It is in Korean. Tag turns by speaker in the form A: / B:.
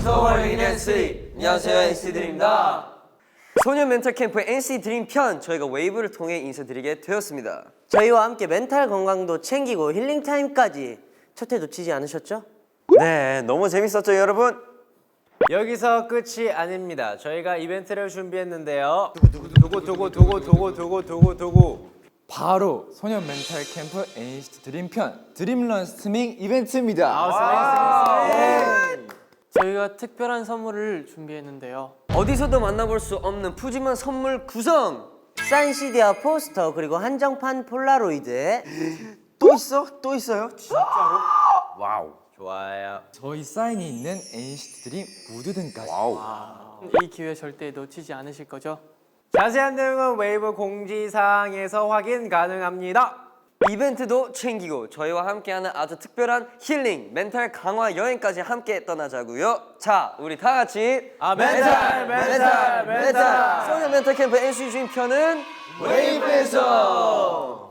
A: 소월인 NC. 안녕하세요, NC 드림입니다. 소년 멘탈 캠프 NC 드림 편 저희가 웨이브를 통해 인사드리게 되었습니다.
B: 저희와 함께 멘탈 건강도 챙기고 힐링 타임까지 첫 회 놓치지 않으셨죠?
A: 네, 너무 재밌었죠, 여러분?
C: 여기서 끝이 아닙니다. 저희가 이벤트를 준비했는데요. 두고
D: 바로 소년 멘탈 캠프 NCT 드림 편 드림런 스트리밍 이벤트입니다.
E: 저희가 특별한 선물을 준비했는데요.
A: 어디서도 만나볼 수 없는 푸짐한 선물 구성!
B: 사인 CD와 포스터 그리고 한정판 폴라로이드.
A: 또 있어? 또 있어요?
C: 와우. 좋아요.
D: 저희 사인이 있는 NCT 드림 무드 등까지.
E: 이 기회 절대 놓치지 않으실 거죠?
C: 자세한 내용은 웨이브 공지사항에서 확인 가능합니다.
A: 이벤트도 챙기고 저희와 함께하는 아주 특별한 힐링, 멘탈 강화 여행까지 함께 떠나자고요. 자, 우리 다 같이
C: 멘탈!
A: 소년 멘탈 캠프 NC 주인 편은 웨이브에서